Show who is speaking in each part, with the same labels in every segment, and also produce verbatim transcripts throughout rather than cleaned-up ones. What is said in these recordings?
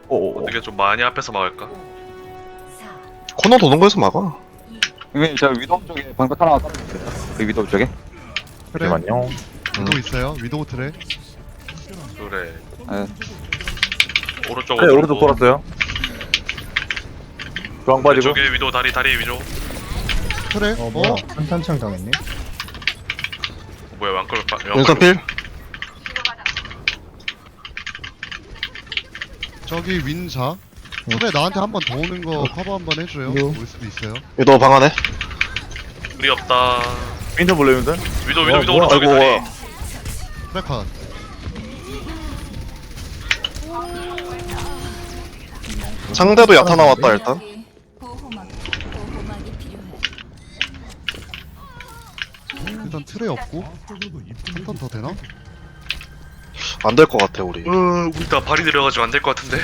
Speaker 1: 오.
Speaker 2: 어떻게 좀 많이 앞에서 막을까?
Speaker 3: 코너 도는 거에서 막아.
Speaker 4: 이게 저 위도우 쪽에 방벽 하나 깔아주세요. 그 위도우 쪽에.
Speaker 5: 그래.
Speaker 1: 잠시만요.
Speaker 5: 위도우 있어요. 위도우 트레.
Speaker 2: 그래.
Speaker 4: 네.
Speaker 2: 오른쪽으로.
Speaker 1: 네, 오른쪽 돌았어요. 중앙 빠지고.
Speaker 2: 왼쪽에 위도 다리 다리 위도.
Speaker 5: 트레.
Speaker 6: 어 뭐야 한탄창 당했네.
Speaker 2: 뭐야 왕끌 빠.
Speaker 3: 윈스턴 필.
Speaker 5: 저기 윈자. 트레 나한테 한 번 더 오는 거 커버 한 번 해줘요.
Speaker 6: 이거.
Speaker 5: 올 수도 있어요.
Speaker 3: 위도 방 안에.
Speaker 2: 우리 없다.
Speaker 1: 윈턴 볼래 윈턴?
Speaker 2: 위도 위도
Speaker 6: 어,
Speaker 2: 위도
Speaker 6: 뭐야.
Speaker 2: 오른쪽에
Speaker 3: 아이고.
Speaker 2: 다리.
Speaker 5: 트레 컷.
Speaker 3: 상대도 야타 나왔다 일단.
Speaker 7: 보호막, 보호막이 필요해.
Speaker 5: 일단 트레 없고. 한 턴 더 되나?
Speaker 3: 안 될 것 같아 우리.
Speaker 2: 어, 우리 다 발이 내려가지고 안 될 것 같은데.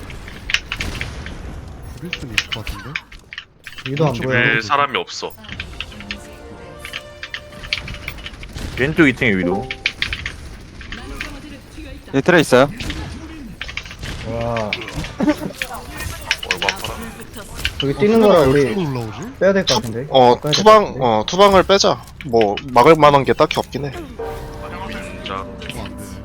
Speaker 5: 부릴 수는 있을 것 같은데.
Speaker 6: 위도 안 보여.
Speaker 2: 왜 사람이 없어?
Speaker 1: 왼쪽 이 층에 위도.
Speaker 4: 예, 트레 있어요.
Speaker 6: 와
Speaker 2: 얼굴 아파라.
Speaker 6: 저기 뛰는 거라 우리
Speaker 5: 어디로 올라오지?
Speaker 6: 빼야 될 것 같은데.
Speaker 3: 어
Speaker 6: 바꿔야 될것
Speaker 3: 투방
Speaker 6: 같은데.
Speaker 3: 어 투방을 빼자. 뭐 막을 만한 게 딱히 없긴 해.
Speaker 2: 자,
Speaker 5: 이거 안 되네.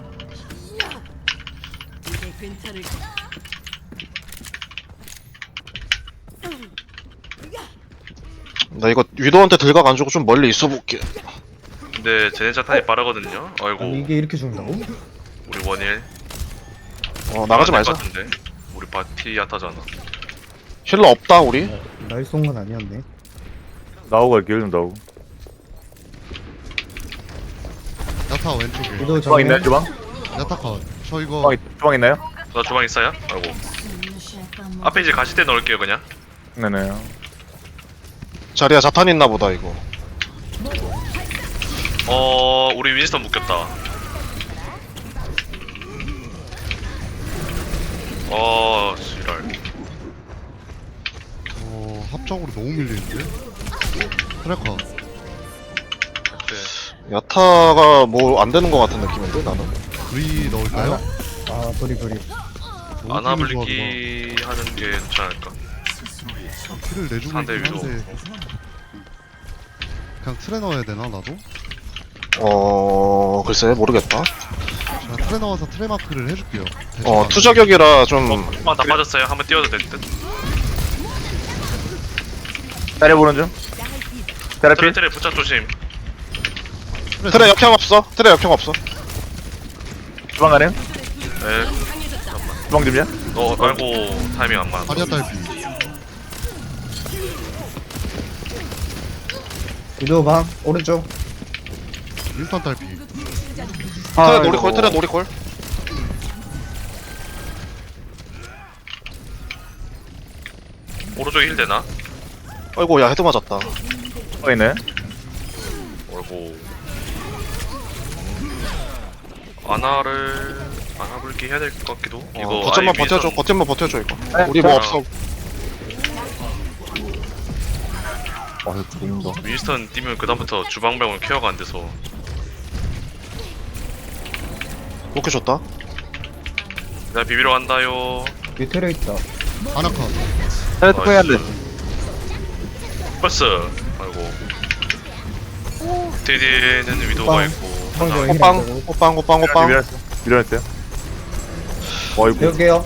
Speaker 3: 나 이거 위도한테 들각 안 주고 좀 멀리 있어 볼게.
Speaker 2: 근데 제네 자탄이 빠르거든요. 아이고
Speaker 6: 아니 이게 이렇게 죽는다고?
Speaker 2: 우리 원일.
Speaker 3: 어 나가지
Speaker 2: 안
Speaker 3: 말자.
Speaker 2: 될 것 같은데. 우리 바티 야타잖아.
Speaker 3: 힐러 없다 우리.
Speaker 6: 날 쏜 건 아니었네.
Speaker 1: 나오고 갈게요 좀 나오고.
Speaker 5: 야타 왼쪽에.
Speaker 6: 위도
Speaker 1: 주방 있나요
Speaker 6: 정면.
Speaker 1: 주방?
Speaker 5: 야타 컷. 저 이거
Speaker 1: 주방, 있, 주방 있나요?
Speaker 2: 나 주방 있어요? 아이고. 앞에 이제 가실 때 넣을게요 그냥.
Speaker 1: 네네.
Speaker 3: 자리야 자탄 있나 보다 이거.
Speaker 2: 어 우리 윈스턴 묶였다. 어 지랄.
Speaker 5: 어, 합적으로 너무 밀리는데? 트레 컷.
Speaker 2: 네.
Speaker 3: 야타가 뭐 안 되는 것 같은 느낌인데 나는.
Speaker 5: 브리 넣을까요?
Speaker 6: 아 브리 브리.
Speaker 5: 너무
Speaker 2: 아나블리기 하는 게 괜찮을까?
Speaker 5: 키를 내주고
Speaker 2: 상대
Speaker 5: 있긴
Speaker 2: 위로.
Speaker 5: 한데 그냥 트레 넣어야 되나 나도?
Speaker 3: 어 글쎄 모르겠다.
Speaker 5: 제가 트레 넣어서 트레 마크를 해줄게요.
Speaker 3: 어 투저격이라 좀
Speaker 2: 어, 다 빠졌어요. 한번 뛰어도 될 듯.
Speaker 1: 때려보는 중. 테라피.
Speaker 2: 트레 트레 붙잡 조심.
Speaker 3: 트레 역행 없어. 트레 역행 없어.
Speaker 1: 주방 가능?
Speaker 2: 네.
Speaker 1: 주방 좀요?
Speaker 2: 어 아이고 타이밍 안 맞아.
Speaker 5: 아리아 딸피.
Speaker 6: 위도 방 오른쪽.
Speaker 5: 윈스턴 딸피.
Speaker 3: 트레 놀이콜 트레 놀이콜.
Speaker 2: 오른쪽에 힐 되나?
Speaker 3: 아이고 야 헤드 맞았다.
Speaker 1: 주방 있나요?
Speaker 2: 아이고. 아나를 아나블기 해야 될 것 같기도. 이거
Speaker 3: 어, 거점만
Speaker 2: 아예
Speaker 3: 버텨줘.
Speaker 2: 윈스턴-
Speaker 3: 거점만 버텨줘 이거.
Speaker 1: 네,
Speaker 3: 우리 뭐
Speaker 1: 자.
Speaker 3: 없어.
Speaker 1: 아 이거 죽는다.
Speaker 2: 윈스턴 뛰면 그다음부터 주방병원 케어가 안 돼서.
Speaker 3: 오케이 좋다.
Speaker 2: 나 비비러 간다요.
Speaker 6: 위에 테레 있다.
Speaker 5: 아나 컷.
Speaker 4: 트레 투표 해야 돼.
Speaker 2: 버스. 아이고. 디디는 위도가
Speaker 6: 빵.
Speaker 2: 있고.
Speaker 6: 빵
Speaker 2: 하나.
Speaker 6: 힐
Speaker 3: 호빵
Speaker 6: 안 되고.
Speaker 3: 호빵 호빵 호빵.
Speaker 1: 밀어냈어. 밀어냈어요. 어이구.
Speaker 6: 배울게요.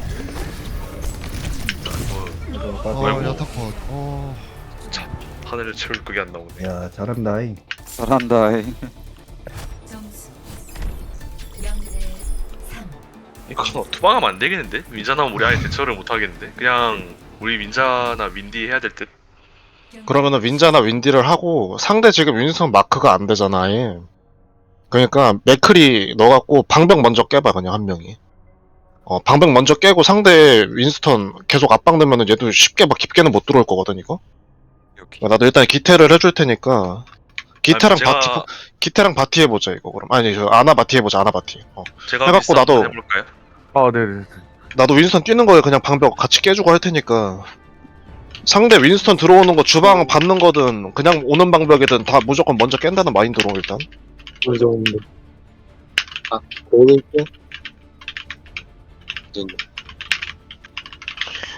Speaker 5: 어,
Speaker 2: 아이고.
Speaker 5: 야타 컷. 어,
Speaker 2: 하늘을 채울 그게 안 나오네.
Speaker 6: 야 잘한다. 이.
Speaker 4: 잘한다. 에이.
Speaker 7: 점수 영 대 삼.
Speaker 2: 이거 투방하면 안 되겠는데? 윈자나면 우리 아예 대처를 못 하겠는데? 그냥 우리 윈자나 윈디 해야 될 듯?
Speaker 3: 그러면은 윈자나 윈디를 하고 상대 지금 윈스턴 마크가 안 되잖아 아예. 그러니까 맥크리 넣어갖고 방벽 먼저 깨봐 그냥 한 명이. 어 방벽 먼저 깨고 상대 윈스턴 계속 압박되면은 얘도 쉽게 막 깊게는 못 들어올 거거든 이거. 나도 일단 기태를 해줄 테니까 기태랑
Speaker 2: 아니, 제가-
Speaker 3: 바티 기태랑 바티 해보자 이거 그럼. 아니 저 아나 바티 해보자 아나 바티. 어
Speaker 2: 제가
Speaker 3: 해갖고
Speaker 2: 윈스턴
Speaker 3: 나도-
Speaker 2: 한번 해볼까요?
Speaker 1: 아 네네.
Speaker 3: 나도 윈스턴 뛰는 거에 그냥 방벽 같이 깨주고 할 테니까. 상대 윈스턴 들어오는 거 주방 받는 거든 그냥 오는 방벽이든 다 무조건 먼저 깬다는 마인드로 일단.
Speaker 8: 어느 정도. 아, 오른쪽?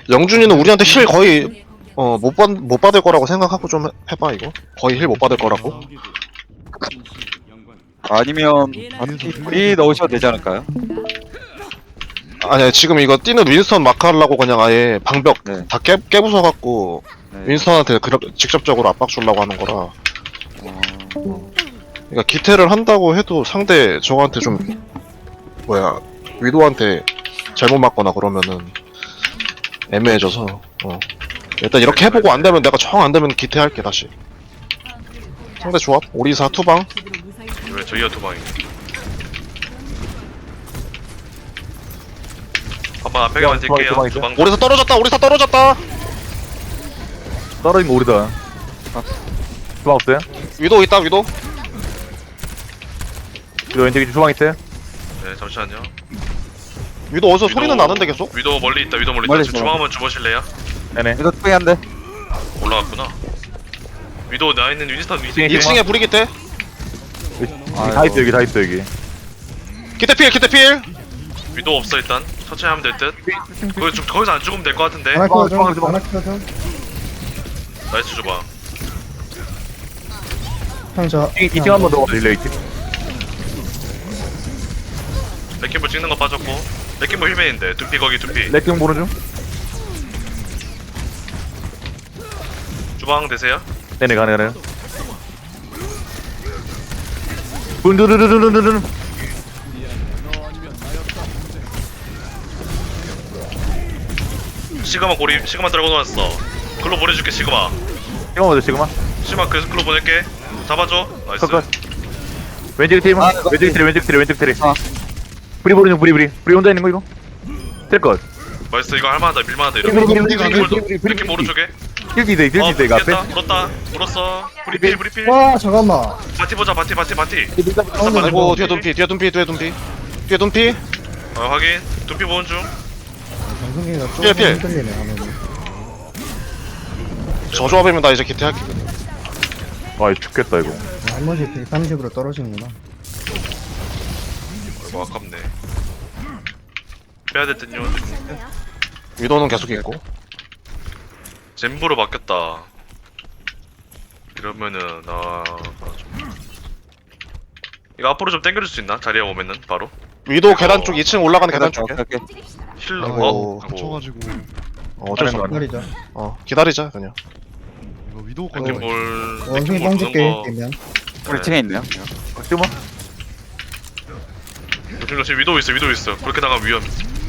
Speaker 3: 영준이는 우리한테 힐 거의 어 못 받 못 받을 거라고 생각하고 좀 해- 해봐 이거. 거의 힐 못 받을 거라고.
Speaker 4: 아니면 우리 넣으셔도 되지 않을까요?
Speaker 3: 아니 지금 이거 뛰는 윈스턴 마크 하려고 그냥 아예 방벽
Speaker 4: 네.
Speaker 3: 다 깨, 깨부숴 갖고
Speaker 4: 네.
Speaker 3: 윈스턴한테 그렇게 직접적으로 압박 주려고 하는 거라.
Speaker 4: 어,
Speaker 3: 그러니까 기태를 한다고 해도 상대 저한테 좀 뭐야 위도한테 잘못 맞거나 그러면은 애매해져서 어. 일단 이렇게 해보고 안 되면 내가 정 안 되면 기태 할게 다시. 상대 조합 오리사 투방.
Speaker 2: 왜 저희가 두 방이? 한번 앞에 가만
Speaker 1: 두 방,
Speaker 2: 뛸게요.
Speaker 1: 두 방이죠?
Speaker 2: 두방
Speaker 3: 오리사 떨어졌다. 오리사 떨어졌다.
Speaker 1: 떨어진 거 우리다. 주방 없어요?
Speaker 3: 위도 있다. 위도.
Speaker 1: 이거 왼쪽에 주방 있어요?
Speaker 2: 네 잠시만요.
Speaker 3: 위도 어디서
Speaker 2: 위도-
Speaker 3: 소리는 나는데 계속.
Speaker 2: 위도 멀리 있다. 위도 멀리 있다.
Speaker 4: 멀리
Speaker 2: 지금
Speaker 4: 있어.
Speaker 2: 주방 한번 주보실래요?
Speaker 1: 네네.
Speaker 4: 이거 투이 한데.
Speaker 2: 올라갔구나. 위도 나 있는 윈스턴 위치.
Speaker 1: 이 층에
Speaker 3: 이 층에 불이 기태.
Speaker 1: 다 있어 여기 다 있어 여기.
Speaker 3: 기태 필. 기태 필.
Speaker 2: 위도 없어 일단. 천천히 하면 될 듯. 거기 좀 거기서 안 죽으면 될 것 같은데.
Speaker 6: 하나
Speaker 1: 주방,
Speaker 6: 키워줘.
Speaker 1: 주방, 주방.
Speaker 6: 하나 키워줘.
Speaker 2: 나이스 주방.
Speaker 6: 형 저.
Speaker 1: 이 층 한번 더 릴레이 층.
Speaker 2: 레킹볼 찍는 거 빠졌고. 레킹볼 힐맨인데. 두피 거기 두피.
Speaker 1: 레킹 보는 중.
Speaker 2: 주방 되세요?
Speaker 1: 네네 가네 가네. 분두두두두두두.
Speaker 2: 시그마 고리 시그마 들어가 놓았어. 글로 보내줄게 시그마.
Speaker 1: 시그마 먼저 시그마.
Speaker 2: 시그마 그래서 글로 보낼게. 잡아줘. 나이스.
Speaker 1: 컷컷. 왼쪽 팀.
Speaker 4: 아, 이거-
Speaker 1: 왼쪽 트리 왼쪽 트리 왼쪽 트리.
Speaker 4: 아.
Speaker 1: 브리 보는 중 브리 브리. 브리 혼자 있는 거 이거. 될 것.
Speaker 2: 나이스 이거 할만하다 밀만하다
Speaker 1: 브리
Speaker 2: 이러면.
Speaker 1: 브리 브리 브리
Speaker 2: 레킹볼도
Speaker 1: 브리 브리
Speaker 2: 레킹 오른쪽에.
Speaker 1: 딜디 돼
Speaker 2: 어
Speaker 1: 딜디 돼 앞에.
Speaker 2: 물었다 물었다 물었어. 브리필 브리필.
Speaker 6: 와 잠깐만.
Speaker 2: 바티 보자 바티 바티 바티.
Speaker 6: 가운데
Speaker 3: 아이고
Speaker 6: 누구?
Speaker 3: 뒤에 둠피. 뒤에 둠피. 뒤에 둠피. 뒤에 둠피.
Speaker 2: 어 확인. 두피 보는 중.
Speaker 6: 방송기가 조금
Speaker 3: 피해, 피해.
Speaker 6: 흔들리네 화면이.
Speaker 3: 저 조합이면 나 이제 기태 할게.
Speaker 1: 아 죽겠다 이거.
Speaker 6: 나머지 백삼십으로 떨어지는구나.
Speaker 2: 아이고 아깝네. 빼야 될 듯요.
Speaker 3: 위도는 계속 있고.
Speaker 2: 젠부로 바뀌었다. 이러면은 나 좀... 이거 앞으로 좀 당겨줄 수 있나? 자리에 오면은 바로
Speaker 3: 위도 계단 쪽 이 층 올라가는 계단 쪽에.
Speaker 4: 오케이,
Speaker 2: 힐러
Speaker 3: 아이고.
Speaker 2: 어? 아이고.
Speaker 5: 갇혀가지고
Speaker 3: 어, 어쩔 수 없네.
Speaker 6: 기다리자.
Speaker 3: 어 기다리자 그냥.
Speaker 5: 이거 위도우
Speaker 2: 이렇게
Speaker 5: 거는
Speaker 2: 뭘
Speaker 6: 원숭이
Speaker 2: 이렇게 뭘
Speaker 6: 뻥질게
Speaker 2: 보는 거.
Speaker 6: 되면.
Speaker 4: 우리 층에 있네요.
Speaker 1: 시그마.
Speaker 2: 조심 조심 위도우 있어 위도우 있어. 그렇게 나가면 위험.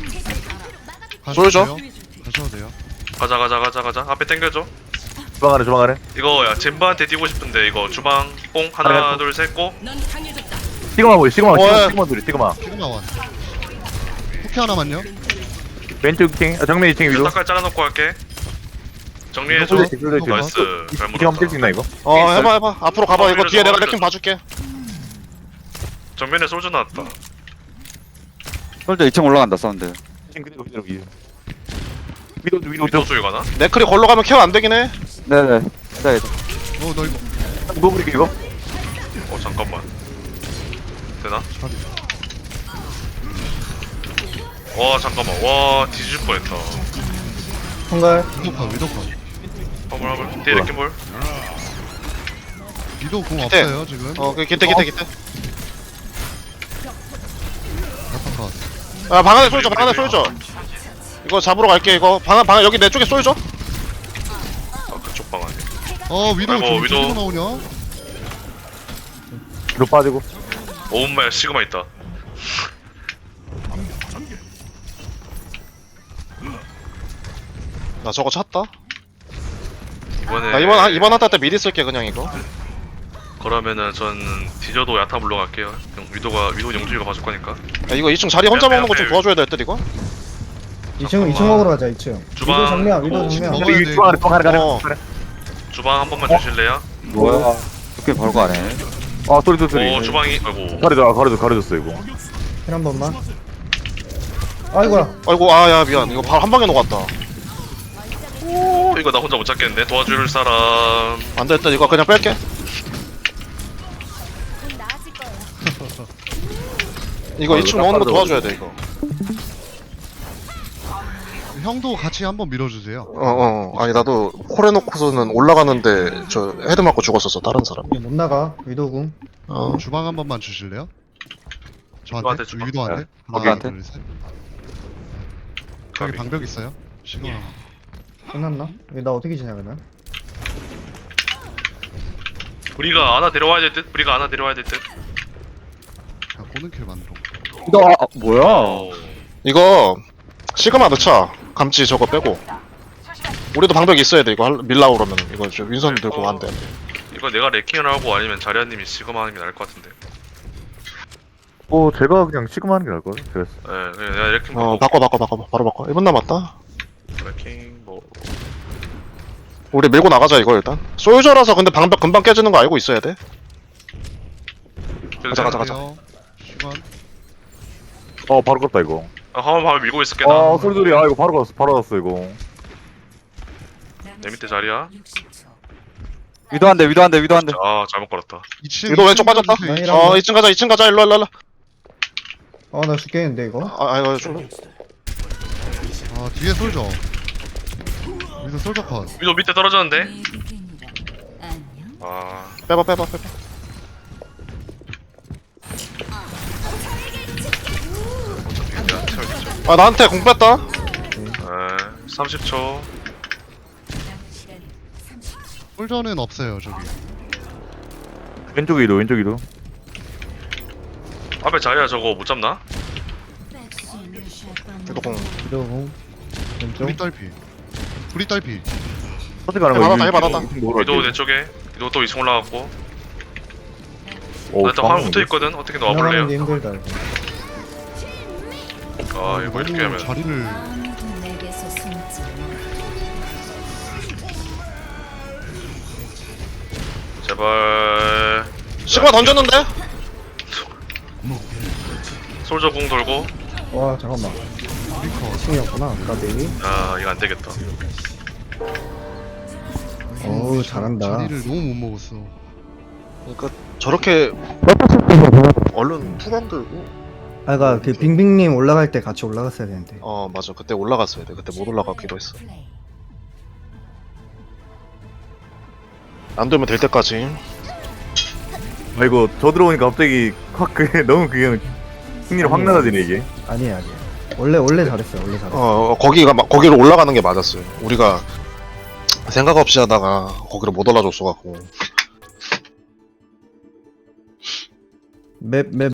Speaker 3: 쏠죠?
Speaker 5: 가셔도 돼요.
Speaker 2: 가자 가자 가자 가자. 앞에 당겨줘.
Speaker 1: 주방 안에 주방 안에.
Speaker 2: 이거 야 젠바한테 뛰고 싶은데 이거 주방 뽕 하나 둘 셋 고.
Speaker 1: 시그마 보여 시그마
Speaker 3: 어,
Speaker 1: 시그마
Speaker 3: 예.
Speaker 1: 시그마 둘이 시그마.
Speaker 5: 시그마 완. 쿠키 하나만요.
Speaker 1: 왼쪽 층 아, 정면 이 층 위로.
Speaker 2: 딱깔 잘라놓고 할게. 정리해줘.
Speaker 1: 솔직히, 솔직히.
Speaker 2: 나이스. 잘
Speaker 1: 이 층 한번 뛸수
Speaker 2: 물었다.
Speaker 1: 있나 이거?
Speaker 3: 어 해봐 해봐. 앞으로 가봐.
Speaker 2: 어,
Speaker 3: 이거 뒤에
Speaker 2: 밀어줘,
Speaker 3: 내가
Speaker 2: 밀어줘.
Speaker 3: 레킹 봐줄게.
Speaker 2: 정면에 솔져 나왔다.
Speaker 4: 솔저 이 층 올라간다 사운드.
Speaker 1: 층 그대로 그대로 위로. 위로 위로
Speaker 2: 위도우
Speaker 1: 좀.
Speaker 2: 쪽에 가나?
Speaker 3: 네클이 걸러 가면 케어 안 되긴 해.
Speaker 4: 네네. 기다려.
Speaker 5: 어너 이거
Speaker 1: 뭐 그렇게 이거?
Speaker 2: 어 잠깐만. 되나? 와 잠깐만. 와 뒤질 뻔했다.
Speaker 6: 통갈.
Speaker 5: 위도우 컷 위도우 컷.
Speaker 2: 화물 화물. 뒤에 레킹볼.
Speaker 5: 위도우 공
Speaker 3: 기태.
Speaker 5: 없어요 지금.
Speaker 3: 어 그 기태 기태 기태.
Speaker 5: 야타 컷.
Speaker 3: 아 방 안에 쏠죠. 방 안에 쏠죠. 이거 잡으러 갈게. 이거 방, 방 여기 내 쪽에 쏠죠.
Speaker 2: 아 그쪽 방 안에.
Speaker 5: 어 위도우
Speaker 2: 아이고,
Speaker 5: 지금
Speaker 2: 위도우.
Speaker 5: 위도우 나오냐?
Speaker 1: 위로 빠지고.
Speaker 2: 오음마야 시그마 있다.
Speaker 3: 나 저거 찼다.
Speaker 2: 이번에
Speaker 3: 나 이번 한- 이번 한타 때 미리 쓸게 그냥 이거.
Speaker 2: 그러면은 전 디저도 야타 물러갈게요. 영- 위도가 위도 영주이가 봐줄 거니까.
Speaker 3: 야, 이거 이 층 자리 혼자
Speaker 2: 앞에,
Speaker 3: 먹는 거 좀
Speaker 2: 앞에.
Speaker 3: 도와줘야 될 듯 이거.
Speaker 6: 이 층 이 층 먹으러 가자 이 층.
Speaker 2: 주방.
Speaker 6: 위도 정면 위도
Speaker 2: 오,
Speaker 6: 정면.
Speaker 5: 먹어야
Speaker 1: 이
Speaker 5: 돼,
Speaker 1: 주방 안에 주방 안에 가네.
Speaker 3: 어.
Speaker 1: 가네.
Speaker 2: 주방 한 번만 주실래요?
Speaker 4: 뭐야? 이렇게 걸고 안 해.
Speaker 1: 아 소리 소 소리.
Speaker 2: 오 주방이 아이고.
Speaker 1: 가려줘 가려줘 가려줬어 이거.
Speaker 6: 힐한 번만. 아이고야.
Speaker 3: 아이고 아야 미안. 이거 바로 한 방에 녹았다.
Speaker 2: 오 이거 나 혼자 못 잡겠는데 도와줄 사람.
Speaker 3: 안 됐다. 이거 그냥 뺄게. 이거
Speaker 1: 아,
Speaker 3: 이 층
Speaker 1: 이거
Speaker 3: 먹는 거
Speaker 1: 딱
Speaker 3: 도와줘야 돼 이거.
Speaker 5: 형도 같이 한번 밀어주세요.
Speaker 3: 어어 아니 나도 콜해놓고서는 올라가는데 저 헤드 맞고 죽었었어 다른 사람이.
Speaker 6: 못 나가. 위도궁.
Speaker 3: 어
Speaker 5: 주방 한 번만 주실래요?
Speaker 2: 위도한테
Speaker 5: 저한테?
Speaker 2: 주방.
Speaker 5: 위도한테?
Speaker 4: 네.
Speaker 5: 하나,
Speaker 4: 거기한테?
Speaker 5: 둘, 셋. 저기 방벽 있어요? 시그마.
Speaker 6: 끝났나? 이거 나 어떻게 지나가나?
Speaker 2: 우리가 하나 데려와야 될 듯. 우리가 하나 데려와야 될 듯.
Speaker 5: 그냥 꼬는 킬 만들어.
Speaker 4: 이거 아, 아, 뭐야?
Speaker 2: 어.
Speaker 3: 이거 시그마 넣자. 감지 저거 빼고. 우리도 방벽 있어야 돼 이거 할- 밀라고 그러면 이거 저 윈선 들고
Speaker 2: 어.
Speaker 3: 안 돼.
Speaker 2: 이거 내가 레킹을 하고 아니면 자리아님이 시그마 하는 게 나을 것 같은데.
Speaker 1: 어 제가 그냥 시그마 하는 게 나을 거야. 그랬어.
Speaker 2: 예, 그냥 내가 레킹
Speaker 3: 어
Speaker 2: 보고
Speaker 3: 바꿔 바꿔 바꿔 바로 바꿔. 일 분 남았다.
Speaker 2: 레킹 뭐
Speaker 3: 우리 밀고 나가자 이거 일단. 솔저라서 근데 방벽 금방 깨지는 거 알고 있어야 돼.
Speaker 2: 그래도
Speaker 3: 가자, 가자,
Speaker 2: 되나?
Speaker 3: 가자.
Speaker 5: 돼요. 시간.
Speaker 1: 어 바로 갔다 이거.
Speaker 2: 아, 한번 밤에 밀고 있을게 나.
Speaker 1: 아 소리소리 아 이거 바로 갔어 바로 갔어 이거.
Speaker 2: 내 밑에 자리야.
Speaker 7: 육십 초.
Speaker 4: 위도 한 대, 위도 한 대, 위도 한 대.
Speaker 2: 아 잘못 걸었다.
Speaker 5: 이 층.
Speaker 3: 위도 왼쪽 빠졌다.
Speaker 5: 이 층
Speaker 6: 아니,
Speaker 3: 어 이 층 가자 이 층 가자 일로 일로 일로.
Speaker 6: 아, 나 죽겠는데, 이거?
Speaker 3: 아 아, 이거 좀
Speaker 5: 아 뒤에 솔져. 여기서 솔져 컷.
Speaker 2: 위도 밑에 떨어졌는데.
Speaker 7: 외국인이라. 안녕.
Speaker 2: 아
Speaker 3: 빼봐 빼봐 빼봐.
Speaker 2: 어차피 내가 채워주죠.
Speaker 3: 아 나한테 공 뺐다.
Speaker 2: 에 삼십 초.
Speaker 7: 남은 시간 삼십 초.
Speaker 5: 솔져는 없어요 저기.
Speaker 1: 왼쪽 이도 왼쪽 이도.
Speaker 2: 앞에 자리야 저거 못 잡나?
Speaker 3: 위도 공.
Speaker 6: 위도궁. 왼쪽.
Speaker 5: 불이 딸피. 불이 딸피.
Speaker 1: 선택하는
Speaker 3: 받았다,
Speaker 1: 거.
Speaker 3: 해 받았다.
Speaker 2: 위도 내 쪽에. 위도 또 이 층 올라갔고.
Speaker 1: 오,
Speaker 2: 나 일단 화면 붙어 있거든. 어떻게 나와 볼래요?
Speaker 6: 지나가는데 힘들다, 이거.
Speaker 2: 아 이거 이렇게 하면
Speaker 5: 자리를.
Speaker 7: 아무도 내게서 숨지
Speaker 2: 제발
Speaker 3: 시그마 던졌는데?
Speaker 2: 솔저 궁 돌고.
Speaker 6: 와, 잠깐만.
Speaker 5: 브리커.
Speaker 6: 층이었구나, 까비.
Speaker 2: 아 이거 안 되겠다.
Speaker 6: 어우, 잘한다.
Speaker 5: 자리를 너무 못 먹었어.
Speaker 3: 그러니까 저렇게 얼른 투강 들고.
Speaker 6: 아, 그니까, 그, 빙빙님 올라갈 때 같이 올라갔어야 되는데.
Speaker 3: 어 맞아 그때 올라갔어야 돼. 그때 못 올라갔기로 했어.
Speaker 7: 플레이.
Speaker 3: 안 되면 될 때까지.
Speaker 1: 아 이거 저 들어오니까 갑자기 확 그게 너무 그게 승리를 확 낮아지네 이게.
Speaker 6: 아니에요, 아니에요. 원래, 원래 잘했어요, 원래 잘했어요.
Speaker 3: 어 거기가 막 거기로 올라가는 게 맞았어요. 우리가 생각 없이 하다가 거기로 못 올라줬어 갖고.
Speaker 6: 맵, 맵,